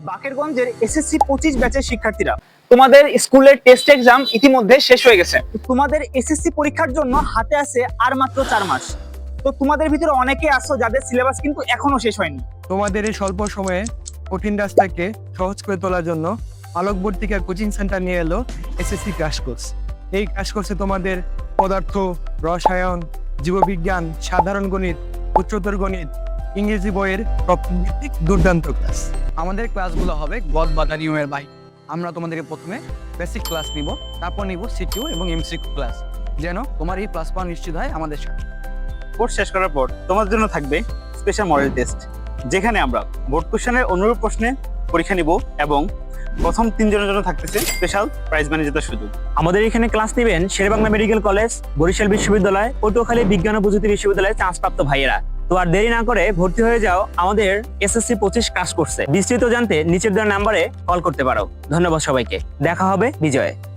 বাকেরগঞ্জের SSC 25 ব্যাচের শিক্ষার্থীরা, তোমাদের স্কুলের টেস্ট এক্সাম ইতিমধ্যে শেষ হয়ে গেছে। তোমাদের এসএসসি পরীক্ষার জন্য হাতে আছে আর মাত্র 4 মাস। তো তোমাদের ভিতরে অনেকে আছো যাদের সিলেবাস কিন্তু এখনো শেষ হয়নি। তোমাদের এই স্বল্প সময়ে কঠিন রাস্তাকে সহজ করে তোলার জন্য আলোকবর্তিকা কোচিং সেন্টার নিয়ে এলো এসএসসি ক্র্যাশ কোর্স। এই ক্র্যাশ কোর্সে তোমাদের পদার্থ, রসায়ন, জীববিজ্ঞান, সাধারণ গণিত, উচ্চতর গণিত, ইংরেজি বইয়ের ভিত্তিক দুর্দান্ত ক্লাস। আমাদের ক্লাসগুলো হবে গদ বাধা নিয়মের বাইরে। আমরা তোমাদেরকে প্রথমে বেসিক ক্লাস নিব, তারপর নিব সিকিউ এবং এমসিকিউ ক্লাস, যেন তোমার এই প্লাস পাওয়া নিশ্চিত হয় আমাদের সাথে। কোর্স শেষ করার পর তোমাদের জন্য থাকবে স্পেশাল মডেল টেস্ট, যেখানে আমরা বোর্ড কোশ্চেনের অনুরূপ প্রশ্নে পরীক্ষা নিব এবং প্রথম 3 জনের জন্য থাকতেছে স্পেশাল প্রাইজ মানি জেতার সুযোগ। আমাদের এখানে ক্লাস নেবেন শেরেবাংলা মেডিকেল কলেজ, বরিশাল বিশ্ববিদ্যালয়, পটুয়াখালী বিজ্ঞান ও প্রযুক্তি বিশ্ববিদ্যালয়ে চান্সপ্রাপ্ত ভাইয়েরা। তো আর দেরি না করে ভর্তি হয়ে যাও আমাদের এসএসসি 25 ক্লাস কোর্সে। বিস্তারিত জানতে নিচের দেওয়া নাম্বারে কল করতে পারো। ধন্যবাদ সবাইকে, দেখা হবে বিজয়ে।